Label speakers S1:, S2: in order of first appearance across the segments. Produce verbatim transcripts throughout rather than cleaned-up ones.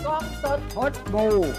S1: กล้องสด
S2: พดบู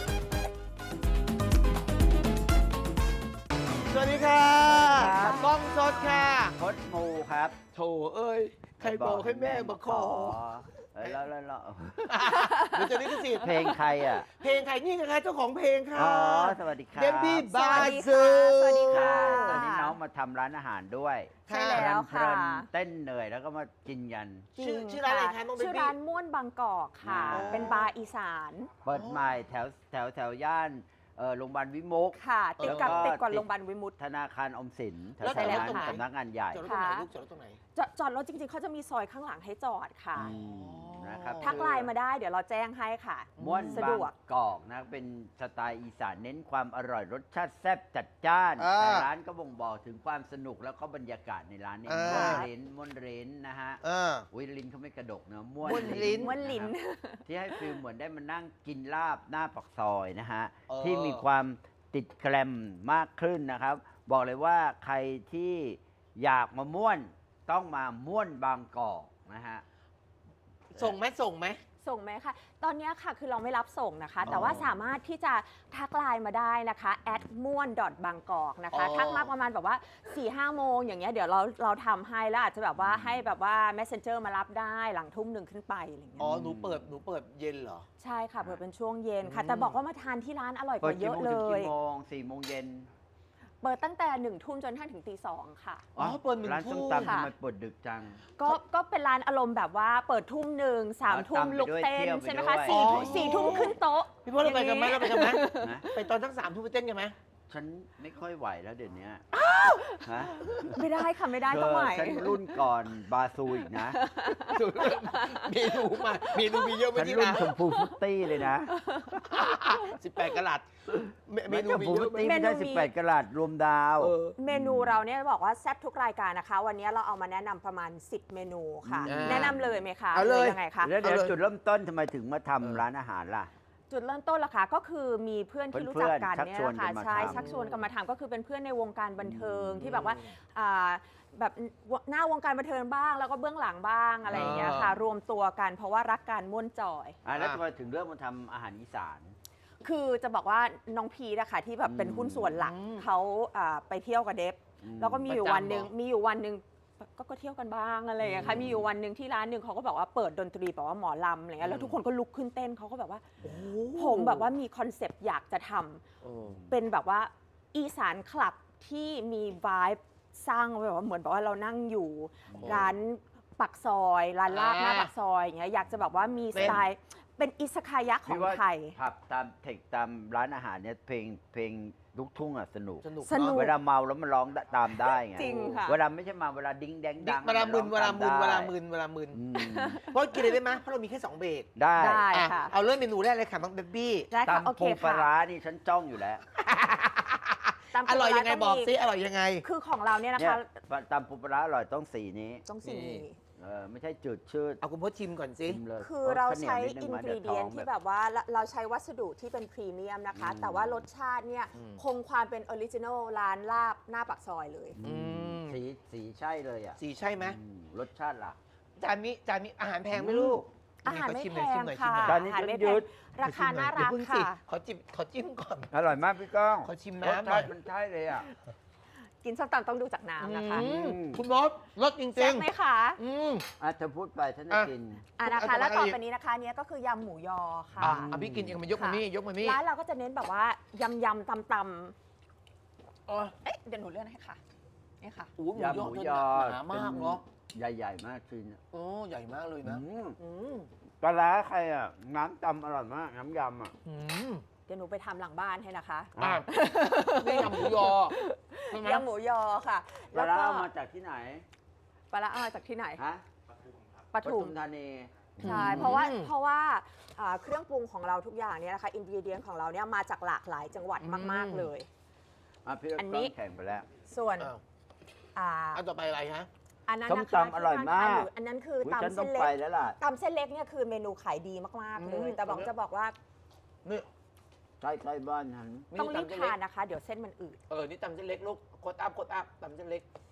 S1: สวัสดีค่ะ
S2: ครับ
S1: กล้องสดค่ะ
S2: พดบูครับ
S1: โถเอ้ย ใครบอกให้แม่มาขอ
S2: เออแล้วแล้วแล้ว
S1: เดี๋ยวจะลิขสิทธิ์
S2: เพลงใครอ่ะ
S1: เพลงใครนี่ไงคะเจ้าของเพลงค่ะ
S2: อ๋อ สวัสดีครับ
S1: เดบบี้
S3: ส
S1: บา
S3: วัสดี
S1: ซู
S3: ค่ะสวัสดีค่ะ
S2: ตอนนี้น้องมาทำร้านอาหารด้วย
S3: ใช่แล้ว
S2: เพ
S3: ค่ะ
S2: ลินๆเต้นเหนื่อยแล้วก็มากินกัน
S1: ชื่อชื่อร้านอะไรคะน้องเบ
S3: ชื่อ
S1: บี้
S3: ร้านม่วนบางกอกค่ะ
S2: อ๋อ
S3: เป็นบาร์อีสาน
S2: เปิดใหม่แถวแถวแถวย่านเออโรงพยาบาลวิมุก
S3: ค่ะ ติดกับ
S2: แล้วก็
S3: ติดกับ
S2: ติด
S3: โรงพยาบาลวิมุต
S2: ธนาคารออมสินแถว
S1: แล้ว
S2: แถวนั้น
S1: ตรงไหน
S2: สำนักงานใหญ่
S1: จอดรถตรงไหนลูกจอดรถตรงไหน
S3: จอดจอดรถจริงๆเขาจะมีซอยข้างหลังให้จอดค่ะ
S2: อืมนะครับ
S3: ทักไลน์มาได้เดี๋ยวเราแจ้งให้ค่ะ
S2: ม้วน
S3: สะ
S2: บา
S3: ด
S2: ง
S3: วก
S2: กอกนะเป็นสไตล์อีสานเน้นความอร่อยรสชาติแซ่บจัดจ้าน
S1: อ่า
S2: แต่ร้านก็บ่งบอกถึงความสนุกแล้วก็บรรยากาศในร้านเนี่ย
S1: อ่า
S2: ม้วนเร้นม้วนเร้นนะฮะ
S1: เออ
S2: วิลินเขาไม่กระดกนะม้วน
S1: ม้วนลิ้น
S3: ม้วนลิ้น
S2: นะครับที่ให้ฟิลเหมือนได้มานั่งกินลาบหน้าปักซอยนะฮะ
S1: เออ
S2: ที่มีความติดแกรมมากขึ้นนะครับ บอกเลยว่าใครที่อยากมาม่วนต้องมาม่วนบางกอกนะฮะ
S1: ส่งไหมส่งไหม
S3: ส่งไหมคะ ตอนนี้ค่ะคือเราไม่รับส่งนะคะ
S2: อ๋อ
S3: แต่ว่าสามารถที่จะทักไลน์มาได้นะคะแอดม่วนบางกอกนะคะ
S1: อ๋อ
S3: ทักมาประมาณแบบว่า4ี่ห้าโมงอย่างเงี้ยเดี๋ยวเราเราทำให้แล้วอาจจะแบบว่าให้แบบว่า messenger มารับได้หลังทุ่มหนึ่งขึ้นไปอะไรอย่างเงี้
S1: อ๋อย หนูเปิดหนูเปิดเย็นเหรอ
S3: ใช่ค่ะเปิดเป็นช่วงเย็นค่ะ
S1: อืม
S3: แต่บอกว่ามาทานที่ร้านอร่อยก
S2: เปิด
S3: ว่าเย
S2: กี่
S3: อะ
S2: โมง
S3: เล
S2: ถึง
S3: ย
S2: กี่โมงสี่โมงเย็น
S3: เปิดตั้งแต่หนึ่งทุ่มจนกระทั่งถึงตีสองค่ะ
S1: อ๋อเปิดหนึ่ง
S2: ร้านส้ม
S1: ทุ่ม
S2: ตำ
S3: ค่ะ
S2: ทำไมเปิดดึกจัง
S3: ก็ก็เป็นร้านอารมณ์แบบว่าเปิดทุ่มหนึ่งสาม
S2: อ๋อ
S3: ทุ่ม
S2: ตำไป
S3: ลุก
S2: ด้วย
S3: เต้น
S2: เที่ยวไป
S3: ใช่ไหม
S2: ด้
S3: คะ
S2: วย
S3: สี่
S1: อ๋อ
S3: ทุ่มสี่ทุ่มขึ้นโต๊ะ
S1: พี่พ่อเราไปกันไหมเราไปกันไหม
S2: นะ
S1: ไปตอนทั้งสามทุ่มไปเต้นกันไหม
S2: ฉันไม่ค่อยไหวแล้วเดี๋ยวนี้ฮะ
S3: ไม่ได้ค่ะไม่ได้
S2: เธ
S3: ต้อง
S2: อ
S3: ไหว
S2: ฉันรุ่นก่อนบาซูอีกนะ
S1: เมนูมาเมนูมีเยอะไหม
S2: ฉัน
S1: ที่
S2: รุ่น
S1: ร้าน
S2: ชมพูฟุตตี้เลยนะ
S1: สิบแปดกะรัตเมเมนู
S2: ชม
S1: มี
S2: พู
S1: เย
S2: ฟุ
S1: อะ
S2: ต
S1: ไหม
S2: ตี้ไม่ใช่
S3: เมนูมี
S2: สิบแปดกะรัตรวมดาว
S1: เออ
S3: เมนูเราเนี่ยบอกว่าแซ่บทุกรายการนะคะ วันนี้เราเอามาแนะนำประมาณสิบเมนูค่ะ
S1: อ่า
S3: แนะนำเลยไหมคะ
S1: เอาเลย
S3: หรืยังไงคะ
S2: แล้วเดี๋ยว
S1: เอาเลย
S2: จุดเริ่มต้นทำไมถึงมาทำร้านอาหารล่ะ
S3: จุดเริ่มต้นละค่ะก็คือมีเพื่อนที่รู้จักกัน
S2: เพื่อนๆ
S3: เนี่ยนะคะ
S2: ชักชวนกันมา
S3: ใช่
S2: ทำ
S3: ชักชวนกันมาทำก็คือเป็นเพื่อนในวงการบันเทิง
S2: อืม
S3: ที่แบบว่าอ่าแบบหน้าวงการบันเทิงบ้าง แล้วก็เบื้องหลังบ้างอะไรอย่างเงี้ยค่ะ รวมตัวกันเพราะว่ารักการม่วนจอย
S2: อ่ะแล้วทำไมถึงเริ่มมาทำอาหารอีสาน
S3: คือจะบอกว่าน้องพีนะคะที่แบบเป็นหุ้นส่วนหลัก
S1: อืม
S3: เขาอ่าไปเที่ยวกับเดฟ
S2: อืม
S3: แล้วก็มีอยู่
S1: ประจำ
S3: วันหนึ่ง
S1: เหรอ
S3: มีอยู่วันหนึ่งก็ก็เที่ยวกันบ้างอะไรอย่างเงี้ยค่ะ
S1: อืม
S3: มีอยู่วันหนึ่งที่ร้านหนึ่งเขาก็บอกว่าเปิดดนตรีแบบว่าหมอลำอะไรเงี้ยแล้วทุกคนก็ลุกขึ้นเต้นเขาก็แบบว่า
S1: โอ้
S3: ผมแบบว่ามีคอนเซปต์อยากจะทำ
S1: เออ
S3: เป็นแบบว่าอีสานคลับที่มีวายสร้างแบบว่าเหมือนแบบว่าเรานั่งอยู่
S1: โอ้
S3: ร้านปักซอยร้านลาบ
S1: อ่า
S3: หน้าปักซอยอย่างเงี้ยอยากจะแบบว่ามี
S1: เป็
S3: ส
S1: น
S3: ไตล์เป็นอิสคายะขอ
S2: พี่
S3: ง
S2: ว่า
S3: ไทย
S2: ผับตามเทคตามร้านอาหารเนี่ยเพลงเพลงลูกทุ่งอ่ะสนุก
S1: สนุก
S3: สนุก
S1: เน
S2: เว
S1: อะ
S2: ลาเมาแล้วมันร้องตามได้ไง
S3: จริงค่ะ
S2: เวลาไม่ใช่เมาเวลาดิ้งแดงดัง
S1: เวลามึนเวลามึนเวลามึ
S2: น
S1: นเวลามึน
S2: อืม
S1: เพราะกินเลยได้ไหมเพราะเรามีแค่สองเบรก
S2: ได้
S3: ได้
S1: อ่ะ
S3: ค่ะ
S1: เอาเริ่มเมนูแรกเลยค่ะน้องเบบี้
S3: ได้ค่ะโอ
S2: ตำ
S3: เค
S2: ปูปลา
S3: ค่ะ
S2: ร้านี่ฉันจ้องอยู่แล้ว
S3: ตาม
S1: อร่อยยังไง
S3: ร้าน
S1: บอก
S3: มี
S1: ซิอร่อยยังไง
S3: คือของเราเนี่ยนะ
S2: เนี่ย
S3: คะ
S2: ตำปูปลาร้าอร่อยต้องสีนี้
S3: ต้องสี
S1: นี่
S3: นี้
S2: เออไม่ใช่จืดชืด
S1: เอาคุณพจน์ชิมก่อนสิ
S2: ชิมเลย
S3: คือเราใช้
S2: ข้วห
S3: อิ
S2: วน นิด
S3: ก
S2: นึ
S3: รี
S2: ง
S3: เดียน
S2: มา
S3: ที่
S2: ดี๋ว
S3: แบบว่าเราเราใช้วัสดุที่เป็นพรีเมียมนะคะ
S2: อืม
S3: แต่ว่ารสชาติเนี่ย
S1: อืม
S3: คงความเป็นออริจินอลร้านลาบหน้าปากซอยเลย
S2: อืม
S1: ม
S2: สีสีใช่เลยอ่ะ
S1: สีใช่ไหม
S2: อืมรสชาติล่ะ
S1: จานนี้จานนี้อาหารแพงไหมลูก
S3: อาหารไม่
S1: ชิ
S3: แพ
S1: หน่อยชิ
S3: ง
S1: หน่อย
S3: ค่ะ
S1: ชิมหน่อย
S2: จานนี้
S3: อาหารไม่
S2: ยื
S3: แพง
S2: ด
S3: ราคาน่ารัก
S1: เดี๋ยวเพิ่งสิ
S3: ค่ะ
S1: ขอจิ้มขอจิ้มก่อน
S2: อร่อยมากพี่ก้อง
S1: ขอชิม
S2: รส
S1: น้ำหน่
S2: ชา
S1: อย
S2: ติมันใช่เลยอ่ะ
S3: กินส้มตำต้องดูจากน้ำนะคะ
S1: อืม
S2: อืม
S1: คุณมดรสจริ
S3: แซ่
S1: ง
S3: บไหมคะ
S1: ๆอืม
S2: อ่ะเธอพูดไปฉันจะ
S1: อ่ะ
S2: กิน
S3: อ่ะนะ
S1: เอา
S3: คะ
S1: ต่อมา
S3: แล้วต่อ
S1: อีก
S3: ไปนี้นะคะเนี้ยก็คือยำหมูยอค่ะ
S1: อ่ะอ่ะพี่กินเองมายกมานี่ยกมานี่
S3: ร้านเราก็จะเน้นแบบว่ายำยำตำต
S1: อ๋อ
S3: ำเอ๊ะเดี๋ยวหนูเลื่อนให้ค่ะนี่ค่ะ
S1: โอ้โหหมู
S2: ยำห
S1: ยอ
S2: มู
S1: เธ
S2: ยอ
S1: หนามากเนาะ
S2: ใหญ่ๆมากจริงอ่ะ
S1: โอ้ใหญ่มากเลยนะ
S2: อืม
S1: อืม
S2: ปลาร้าใครอ่ะ น้ำจำอร่อยมาก น้ำยำอ่ะ
S1: อืม
S3: เดี๋ยวหนูไปทำหลังบ้านให้นะคะ
S1: อ่ะนี่ยำหมูยอใช่ไหม
S3: ยำหมูยอค่ะ
S2: ปลาร้า
S3: ก็
S2: เอามาจากที่ไหน
S3: ปลาร้าเอามาจากที่ไหน
S2: ฮะ
S3: ปทุม
S2: ธานี
S3: ใช่ เพราะว่าเพราะว่าอ่าเครื่องปรุงของเราทุกอย่างเนี่ยนะคะอินกิเดียนของเราเนี่ยมาจากหลากหลายจังหวัดมาก ๆ เลย
S2: อ่ะพี่
S3: อัน
S2: ก
S3: นี้
S2: ล้องแข่งไปแล้ว
S3: ส่วน
S1: อ้าว
S3: อ่า
S1: อันต่อไปอะไรฮะ
S3: อันนั้น
S2: ส้ม
S3: นะคะ
S2: ตำอร่อยมาก
S3: ที่ร้นขอันนั้นคือ
S2: อุ๊ยฉัน
S3: ตำ
S2: ต้อ
S3: เส้
S2: ง
S3: นเล็
S2: ไป
S3: ก
S2: แล้วล่ะ
S3: ตำเส้นเล็กเนี่ยคือเมนูขายดีมาก ๆ เลย
S1: อืม
S3: แต่บอกจะบอกว่า
S1: นี่
S2: ใช่ใช่บ้านฉัน
S3: ต้องรีบ
S1: ตำเส้น
S3: ทา
S1: เล็
S3: น
S1: ก
S3: นะคะ เดี๋ยวเส้นมันอืด
S1: เออ นี่ตำเส้นเล็กลูกโคตรอัพโคตรอัพตำเส้นเล็ก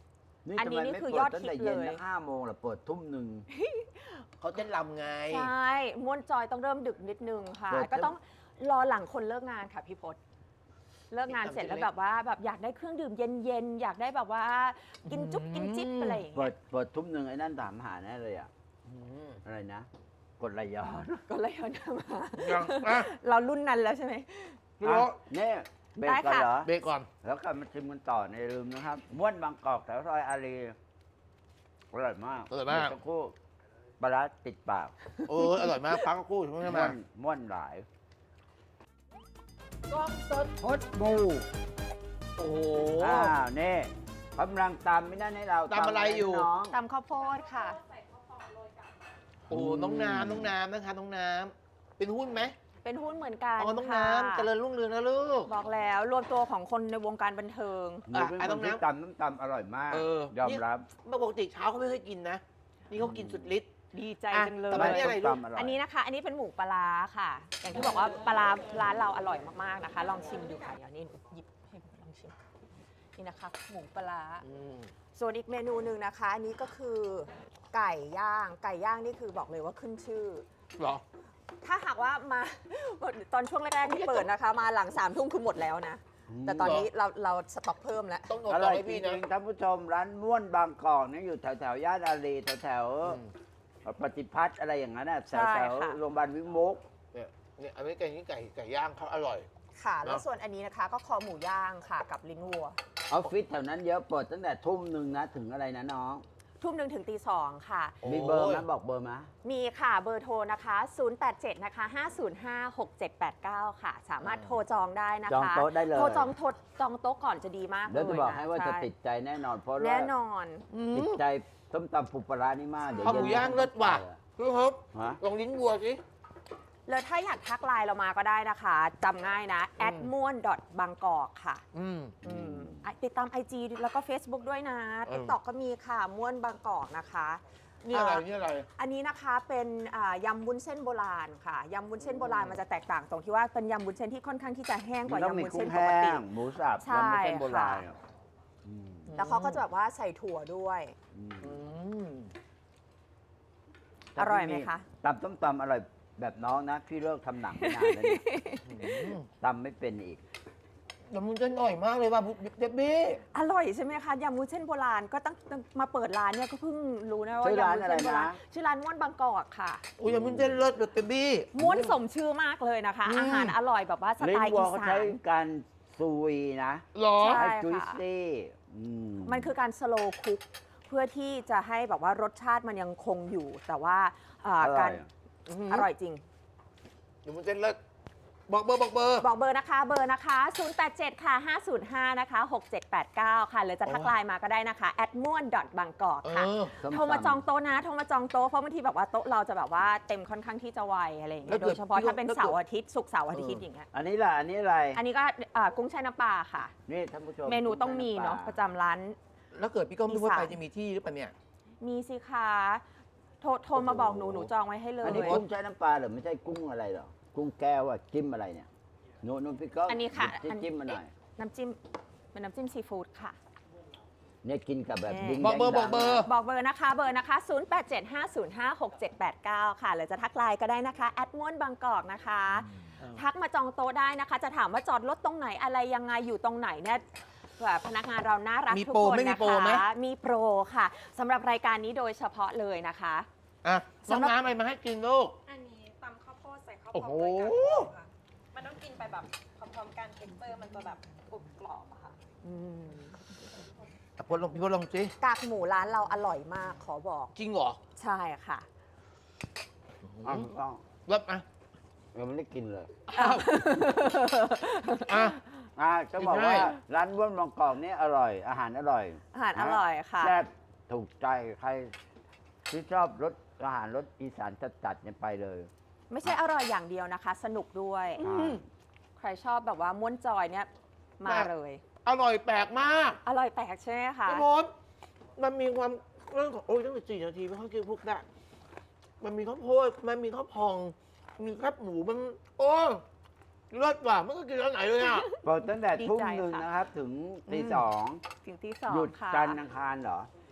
S2: นี่
S3: อัน
S2: ทำ
S3: นี้
S2: ไม
S3: นี่
S2: ไม่
S3: คือ
S2: เปิ
S3: ยอ
S2: ด
S3: ด
S2: ตั้ง
S3: ฮิ
S2: แต่
S3: ต
S2: เย็น
S3: เลย
S2: นะห้าโมงหรอเปิดทุ่มหนึ่ง
S1: เขาเต้นรำไง
S3: ใช่ม่วนจอยต้องเริ่มดึกนิดนึงค่ะ
S2: เปิด
S3: ก็ต้องรอหลังคนเลิกงานค่ะพี่พศเลิกงานเสร็จแล้วแบบว่าแบบอยากได้เครื่องดื่มเย็นๆอยากได้แบบว่ากินจุ๊บกินจิ๊บอะไรอย่าง
S2: เปิ
S3: เงี้
S2: ด
S3: ย
S2: เปิดทุ่มหนึ่งไอ้นั่นถามหาแน่เลยอ่ะ
S1: อืม
S2: อะไรนะ กดไหลย้อน
S3: ก็เลยเอาน้ำมา
S1: ยังอ่ะ
S3: เรารุ่นนั้นแล้วใช่ไหม
S1: พี่โร
S2: อ่ะเนี่ยเบรก
S3: ได้
S2: ก่อน
S3: ค่ะ
S2: เหรอ
S1: เบรกก่อน
S2: แล้วกลับมาชิมกันต่อในลืมนะครับม้วนบางกอกแถวซอยอารีอร่อยมาก
S1: อร่อยมาก
S2: เดี๋วสัคู่ปลาร้าติดปาก
S1: เอออร่อยมากพักกู้ใช่ไหม
S2: ม้
S1: มา
S2: วนม้วนหลาย
S1: กล้องสด
S2: พดบู
S1: โอ้โห
S2: อ้าวนี่กำลังตำไม่นั่นให้เรา
S1: ตำอะไรอยู่
S2: น้อง
S3: ตำข้าวโพดค่ะ
S1: โอ้น้องน้ำน้องน้ำนะคะน้องน้ำเป็นหุ้นไหม
S3: เป็นหุ้นเหมือนกัน
S1: อ๋อน้อง
S3: ค่ะ
S1: น้ำเจริญรุ่งเรืองนะลูก
S3: บอกแล้วรวมตัวของคนในวงการบันเทิง
S2: หนูเป็น
S1: อ่ะ
S2: คนที่
S1: น้ำ
S2: ตำน้ำตำอร่อยมาก
S1: เออย
S2: อมรับ
S1: ปกติเช้าเขาไม่เคยกินนะ นี่เขากินสุดฤทธิ์
S3: ดีใจ
S1: อ่ะ
S3: จังเลย
S1: แต่ว่านี่อะไรลูก
S2: ส้มตำอร่อย
S3: อันนี้นะคะ อันนี้เป็นหมูปลาร้าค่ะ อย่างที่บอกว่าปลาร้าร้านเราอร่อยมากๆนะคะ ลองชิมดูค่ะเดี๋ยวนี้หนูหยิบให้ลองชิม นี่นะคะหมูปลาร้า
S1: อืม
S3: ส่วนอีกเมนูหนึ่งนะคะ อันนี้ก็คือไก่ย่าง ไก่ย่างนี่คือบอกเลยว่าขึ้นชื่อ
S1: เหรอ
S3: ถ้าหากว่ามา ตอนช่วงแรกๆที่เปิดนะคะ มาหลังสามทุ่มคือหมดแล้วนะ แต่ตอนนี้เราเราสต็อกเพิ่มแล้ว
S1: ต้องอด
S2: อ
S1: ต่
S2: ร่
S1: อ
S2: อย
S1: ให้
S2: จ
S1: พี่
S2: ริ
S1: นะ
S2: งๆท่านผู้ชมร้านม้วนบางกอกเนี่ยอยู่แถวแถวๆย่านอารีแถวแถวๆ
S1: อืม
S2: ปฏิพัฒน์อะไรอย่างนั้นน่ะแถ
S3: ใช่
S2: วแถว
S3: ค่ะ
S2: โรงพยาบาลวิมุก
S1: เนี่ยเนี่ยอันนี้ไก่นี่ไก่ไก่ย่างเขาอร่อย
S3: ค่ะ แล้ว
S1: เนอะ
S3: ส่วนอันนี้นะคะ ก็คอหมูย่างค่ะกับลิ้นวัว
S2: ออฟฟิศแถวนั้นเยอะเปิดตั้งแต่ทุ่มหนึ่งนะถึงอะไรนะน้อง
S3: ทุ่มหนึ่งถึงตีสองค่ะ
S1: โอ้ย
S2: มีเบอร์ไหมบอกเบอร์ไหม
S3: มีค่ะเบอร์โทรนะคะ ศูนย์ แปด เจ็ด นะคะ ห้า ศูนย์ ห้า หก เจ็ด แปด เก้า ค่ะ สามารถโทรจองได้นะคะ
S2: จองโต๊ะได้เลย
S3: โทรจองโทรจองโต๊ะก่อนจะดีมากเลย
S2: แล้วจะบอกให้ว่าจะ
S3: ช่
S2: ติดใจแน่นอน เพราะว่า
S3: แน่นอน
S1: อื
S2: ติด
S1: ม
S2: ใจส้มตำปูปลาร้านี่มากเดี๋ยว
S1: ข้าวหมู
S2: เนนี้
S1: ย่างเลิศว่ะพี่ครับ
S2: ฮะ
S1: ลองลิ้นวัวสิ
S3: แล้วถ้าอยากทักไลน์เรามาก็ได้นะคะจำง่ายนะ แอดม่วนบางกอกค่ะ
S1: อืม
S3: อืมอ่ะติดตาม ไอ จี แล้วก็ Facebook ด้วยนะ
S1: เออ
S3: TikTok ก็มีค่ะม่วนบางกอกนะคะเนี่
S1: อะ
S3: ย
S1: ไรนี่อะไร
S3: อันนี้นะคะเป็นอ่ายำวุ้นเส้นโบราณค่ะยำวุ้นเส้นโบราณมันจะแตกต่างตรงที่ว่าเป็นยำวุ้นเส้นที่ค่อนข้างที่จะแห้งก
S2: มัน
S3: ว่า
S2: ต้องมี
S3: ยำวุ้น
S2: กุ้
S3: เส้
S2: ง
S3: นป
S2: แห้
S3: กติ
S2: งหมูสับ
S3: ใช่
S2: ยำวุ้นเส้นโบราณ
S3: ค่ะ
S2: อืม
S3: แล้วเขาก็จะแบบว่าใส่ถั่วด้วย
S2: อืม
S1: อืม
S3: อร่อยไหมคะ
S2: ตำส้มตำอร่อยแบบน้องนะพี่เลิกทำหนังไม่นานแล้วเนี่ย
S1: อืม
S2: ตำไม่เป็นอีก
S1: แต่มันจะหน่อยมากเลยว่ะเดบบี้
S3: อร่อยใช่ไหมคะยำวุ้นเส้นโบราณก็ตั้งตั้งมาเปิดร้านเนี่ยก็เพิ่งรู้นะว่า
S2: ชื่อร้าน
S3: ยำวุ้นเส้นโบราณ
S2: อะไรนะ
S3: ชื่อร้านม่วนบางกอกค่ะ
S1: โอ้ยมันจะเลิศแบบเดบบี้
S3: ม้วนสมชื่อมากเลยนะคะ
S1: อืม
S3: อาหารอร่อยแบบว่าส
S2: ลิ้
S3: ไต
S2: น
S3: ล์
S2: วัว
S3: อี
S2: เขา
S3: สา
S2: ใช้
S3: น
S2: การซุยนะ
S1: หรอ
S3: ใช่
S2: ให้จุย
S3: ค่ะ
S2: ซี่อืม
S3: มันคือการสโลว์คุกเพื่อที่จะให้แบบว่ารสชาติมันยังคงอยู่ แต่ว่าอ่า
S2: อร่
S3: กา
S2: อ
S3: ร
S2: ย
S3: อร่อยจริง
S1: เดี๋ยวมันจะเลิศบอกเบอร์บอกเบอร์
S3: บอกเบอร์นะคะ เบอร์นะคะ ศูนย์ แปด เจ็ด ค่ะ ห้า ศูนย์ ห้า นะคะ หก เจ็ด แปด เก้า ค่ะ หรือจะทักไลน์มาก็ได้นะคะแอดม่วนบางกอก
S1: เอ
S3: ค่ะ
S1: อ
S2: ส้ม
S3: โทรมา
S2: ตำ
S3: จองโต๊ะนะ โทรมาจองโต๊ะ เพราะบางทีแบบว่าโต๊ะเราจะแบบว่าเต็มค่อนข้างที่จะไวอะไรอย่าง
S1: แล้
S3: เงี้
S1: วย เกิ
S3: โด
S1: ด
S3: ยเฉพาะถ้าเป็น
S1: แล้วเกิด
S3: เสาร์อาทิตย์ศุกร์เสาร์อาทิตย์
S1: เออ
S3: อย่างเงี้ย
S2: อันนี้ล่ะอันนี้อะไร
S3: อันนี้ก็อ่ากุ้งแช่น้ำปลาค่ะ
S2: นี่ท่านผู้ชม
S3: เมนูต้องมีเนาะประจำร้าน
S1: แล้วเกิดพี่ก้องไม่พูดไป
S3: อีสาน
S1: จะมีที่หรือเปล่าเนี่ย
S3: มีสิคะโทรโทรมาบอกหนูหนูจองไว้ให้เล
S2: อัน
S3: ย
S2: นี้กุ้งใช้น้ำปลาเหรือไม่ใช่กุ้งอะไรหรอกุ้งแก้วอะจิ้มอะไรเนี่ยโน่นโน่นพี่ก้อง
S3: อันนี้ค่ะ
S2: หยิบ
S3: อัน
S2: จิ้มมาหน่อย
S3: น้ำจิ้มเป็นน้ำจิ้มซีฟู้ดค่ะ
S2: เนี่ยกินกับแบบ
S3: เอ่อ
S2: ดิ้ง
S1: บอกเบอร์
S2: แดง
S1: บอกเบอร์
S3: บอกเบอร์นะคะ เบอร์นะคะ ศูนย์ แปด เจ็ด ห้า ศูนย์ ห้า หก เจ็ด แปด เก้า ค่ะ หรือจะทักไลน์ก็ได้นะคะแอดม่วนบางกอกนะคะ ทักมาจองโต๊ะได้นะคะ จะถามว่าจอดรถตรงไหนอะไรยังไงอยู่ตรงไหนเนี่ยแบบพนักงานเราน่ารัก
S1: มี
S3: ทุก
S1: โปร
S3: คน
S1: ไม่มี
S3: นะ
S1: โปรไหม
S3: คะมีโปรค่ะสำหรับรายการนี้โดยเฉพาะเลยนะคะ
S1: อ่ะน้อง
S3: สำหรับ
S1: น้ำอะไรมาให้กินลูก
S4: อันนี้ตำข้าวโพดใส่ข้าว
S1: โอ้
S4: พ
S1: โห
S4: องด้วยกันค่ะ มันต้องกินไปแบบพร้อมๆกันเท็กเจอร์มันจะแบบกรุบกรอบอะค่ะ
S3: อืม
S1: อ่ะพลลองพี่พลลองสิ
S3: กากหมูร้านเราอร่อยมากขอบอก
S1: จริงเหรอ
S3: ใช่ค่ะ
S2: อ้าวต้อง
S1: เลิศอ่ะ
S2: ยังไม่ได้กินเลย
S1: อ่ะ
S2: อ่าจะบอก
S1: ใช่
S2: ว่าร้านบ้วนบางกอกนี่อร่อย อาหารอร่อย
S3: อาหารอร่อยค่ะ
S2: แซ่บถูกใจใครที่ชอบรสอาหารรสอีสานจัดๆเนี่ยไปเลย
S3: ไม่ใช่อร่อยอย่างเดียวนะคะ สนุกด้วย
S1: อืม
S3: ใครชอบแบบว่าม้วนจอยเนี่ยมาเลย
S1: อร่อยแปลกมาก
S3: อร่อยแปลกใช่ไหมคะ
S1: พี่พลมันมีความเรื่องของโอ้ยตั้งแต่สี่นาทีไม่ค่อยกินพวกได้มันมีข้าวโพดมันมีข้าวพอง มีแคบหมูมันโอ้เลิศว่ะไม่เคยกินร้านไหนเลยอ่ะ
S2: เปิดตั้งแต่ทุ่มหนึ่งนะครับ ถึงตีสอง
S3: ถึงที่สอง
S2: หยุด
S3: ค่ะ
S2: จันทร์อังคารเหรอ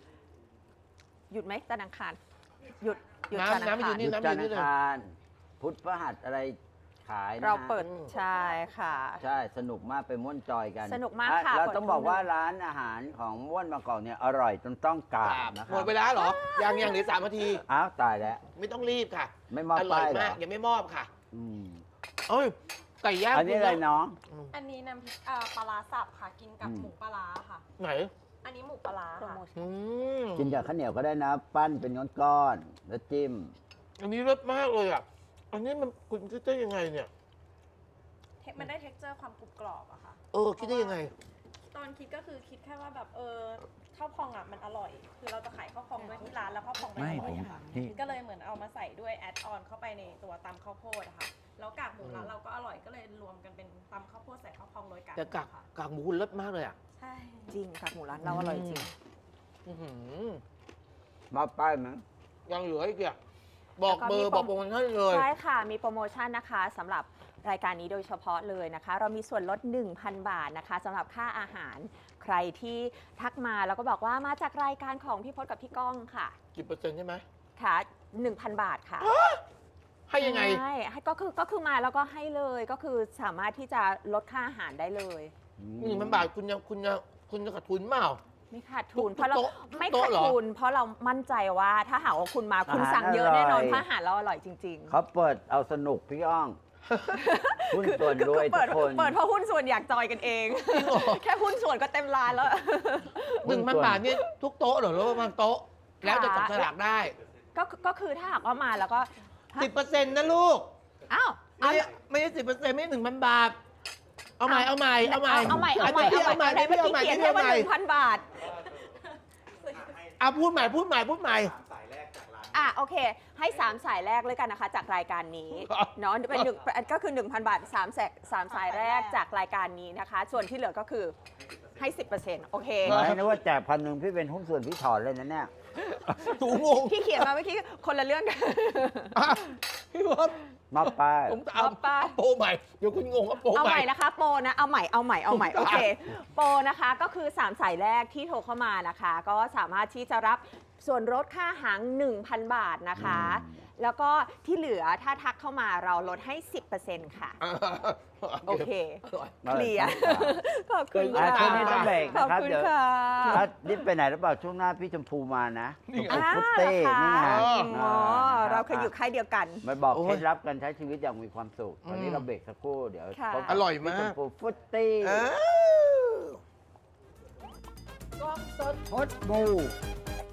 S3: หยุดไหมจันทร์อังคารหยุดหยุด
S1: น้ำ
S3: จันทร์อัง
S1: น้ำไม่หยุ
S3: คาร
S1: ด
S2: หยุดจันทร์อังคารพุธพฤหัสอะไรขายนะ
S3: เราเปิด
S1: อืม
S3: ใช่ค่ะ
S2: ใช่สนุกมากไปม่วนจอยกัน
S3: สนุกมาก
S2: อ่
S3: ค่ะ
S2: เรา
S3: เปิด
S2: ต้องบอก
S3: ทุก
S2: ว่าร้านอาหารของม่วนบางกอกเนี่ยอร่อยจนต้องกราบนะค
S1: หม
S2: รับ
S1: ดเวลาเหรอ ยังยังเหลือสามนาที
S2: อ้าวตายแล้ว
S1: ไม่ต้องรีบค่ะ
S2: ไม่มอบ
S1: อร่อ
S2: ป้าย ยเหร
S1: มา
S2: อก
S1: ยังไม่มอบค่ะ
S2: อืม
S1: เอ้ยไก่ย่าง
S2: อันนี้อะไร
S1: คุณ
S2: น้อง
S1: อืม
S4: อันนี้น้ำพริกอ่าปลาร้าสับค่ะ กินกับ
S2: อืม
S4: หมูปลาร้าค่ะ
S1: ไหน
S4: อันนี้หมูปลาร้า
S3: โปร
S4: ค่ะ
S3: โมชั่น
S1: อืม
S2: กินกับข้าวเหนียวก็ได้นะ ปั้นเป็นก้อนๆแล้วจิ้ม
S1: อันนี้รสมากเลยอ่ะ อันนี้มันคุณคิดได้ยังไงเนี่ย
S4: เทมันได้เท็กเจอร์ความกรุบกรอบอะค่ะ
S1: เออ คิดได้ยังไง
S4: ตอนคิดก็คือคิดแค่ว่าแบบเออข้าวพองอ่ะมันอร่อย คือเราจะขายข้าวพองด้วยที่ร้านแล้วข้าวพองมัน
S2: ไม่
S4: อร่
S2: ผ
S4: อย
S2: ม
S4: อะค่ะ
S2: นี่
S4: ก็เลยเหมือนเอามาใส่ด้วยแอดออนเข้าไปในตัวตำข้าวโพดอะค่ะ แล้วกากหมูร้านเราก็อร่อยก็เลยรวมกันเป็นตำข้าวโพดใส่ข้าวพองโรยกากห
S1: แต่
S4: มู
S1: กาก
S4: ค่ะ
S1: กากหมูคุณรสมากเลยอ่ะ
S4: ใช่
S3: จริงค่ะหมูร้านเราอร่อยจริง
S1: อื้อหือ
S2: มอบป้ายไหม
S1: ยังเหลืออีกอ่ะบอกเบอร์
S3: แล้วก็มี
S1: บอกโปรโมชั่นเลย
S3: ใช่ค่ะ มีโปรโมชั่นนะคะสำหรับรายการนี้โดยเฉพาะเลยนะคะ เรามีส่วนลด หนึ่งพัน บาทนะคะสำหรับค่าอาหาร ใครที่ทักมาแล้วก็บอกว่ามาจากรายการของพี่พจน์กับพี่ก้องค่ะ
S1: กี่เปอร์เซ็นต์ใช่ไหม
S3: ค่ะ หนึ่งพัน บาทค่ะ
S1: ให้ยังไง
S3: ใช่ให้ก็คือก็คือมาแล้วก็ให้เลยก็คือสามารถที่จะลดค่าอาหารได้เลย
S1: หนึ่งพันบาทคุณยังคุณยังคุณจะขาดทุนเปล่า
S3: ไม่ขาดทุน
S1: ทุก
S3: เพราะเรา
S1: โต๊ะ
S3: ไม่
S1: ทุก
S3: ขา
S1: โต๊ะ
S3: ด
S1: เหรอ
S3: ทุน เพราะเรามั่นใจว่าถ้าหากว่าคุณมาคุณ
S2: อาหาร
S3: สั่งเยอะ
S2: อร่อย
S3: แน่นอนเพราะอาหารเราอร่อยจริงๆ
S2: เขาเปิดเอาสนุกพี่อ้องหุ้นส่วนรวย
S3: เปิ
S2: ทุ
S3: ด
S2: กคน
S3: เปิดเพราะหุ้นส่วนอยากจอยกันเอง
S1: จริงเหรอ
S3: แค่หุ้นส่วนก็เต็มร้านแล้ว
S1: หนึ่งพันบาทเนี่ยทุกโต๊ะเหรอหรือว่าบางโต๊ะ แล้วจะจับฉลากได้
S3: ก็ก็คือถ้าหากว่ามาแล้วก็ฮะ
S1: สิบเปอร์เซ็นต์นะลูก
S3: อ้าว
S1: ไม่ใช่ไม่ใช่สิบเปอร์เซ็นต์ไม่หนึ่งพันบาท เอาใหม่เอาใหม่เอาใหม่
S3: เอาใหม่เอาใหม่
S1: พี่
S3: เอา
S1: เอา
S3: ให
S1: ให
S3: ม่
S1: ม่
S3: เมื่อ
S1: พี่
S3: กี้
S1: เอาใหม่
S3: เขียน
S1: พี่
S3: ให้
S1: เอา
S3: ว่า
S1: ใหม่
S3: หนึ่งพันบาท
S1: เอาพูดใหม่พูดใหม่พูดใหม่
S3: อ่ะโอเค ให้สามสายแรกเลยกันนะคะ จากรายการนี้
S1: ครับ
S3: เนาะเป็นหนึ่งก็คือ หนึ่งพัน บาทสามแสกสามสายแรกจากรายการนี้นะคะ ส่วนที่เหลือก็คือให้ สิบเปอร์เซ็นต์ โอเค
S2: ไม่นึกว่าแจกพันหนึ่งพี่เป็นหุ้นส่วนพี่ถอนเลยนะเนี่ย
S1: ถูงง
S3: ที่เขียนมาเมื่อกี้คนละเรื่องกัน
S1: อ่ะพี่บอส
S2: มอบป้าย
S1: ผมจะเอา
S3: เอาไป
S1: เอาโปรใหม่เดี๋ยวคุณงงเอาโปร
S3: เอา
S1: ให
S3: ให
S1: ม่
S3: ม่นะคะโปรนะเอาใหม่เอาใหม่เอาใหม่
S1: ถู
S3: โอก
S1: ต้อง
S3: เคโปรนะคะก็คือสามสายแรกที่โทรเข้ามานะคะ ก็สามารถที่จะรับส่วนลดค่าหาง หนึ่งพัน บาทนะคะ แล้วก็ที่เหลือถ้าทักเข้ามาเราลดให้ สิบเปอร์เซ็นต์ ค่ะ โอเค
S1: อร่อย
S3: เคลียร์ขอบคุณ
S2: อ่ะ
S3: ค่ะ
S2: ช่วงนี้ต้องเบรก
S3: ขอบ
S2: นะครับ
S3: คุณ
S2: เดี๋ยว
S3: ค่ะ
S2: อ่ะนี่ไปไหนหรือเปล่าช่วงหน้าพี่ชมพูมานะชมพู
S3: อ่า
S2: ฟุตเต้นี่ไง
S3: เหรอคะ
S2: อ่
S3: อ๋อ
S2: นะ
S3: เราเคยอยู่ค่ายเดียวกัน
S2: มาบอก
S1: โอ้ย
S2: เคล็ดลับการใช้ชีวิตอย่างมีความสุขตอนนี้
S1: อืม
S2: เราเบรกสักครู่เดี๋ยว
S3: ค่ะ
S2: พบกับ
S1: อร่อยมาก
S2: พี่ชมพูฟุตเต้
S1: อ้าวกล้องสด
S2: พดบู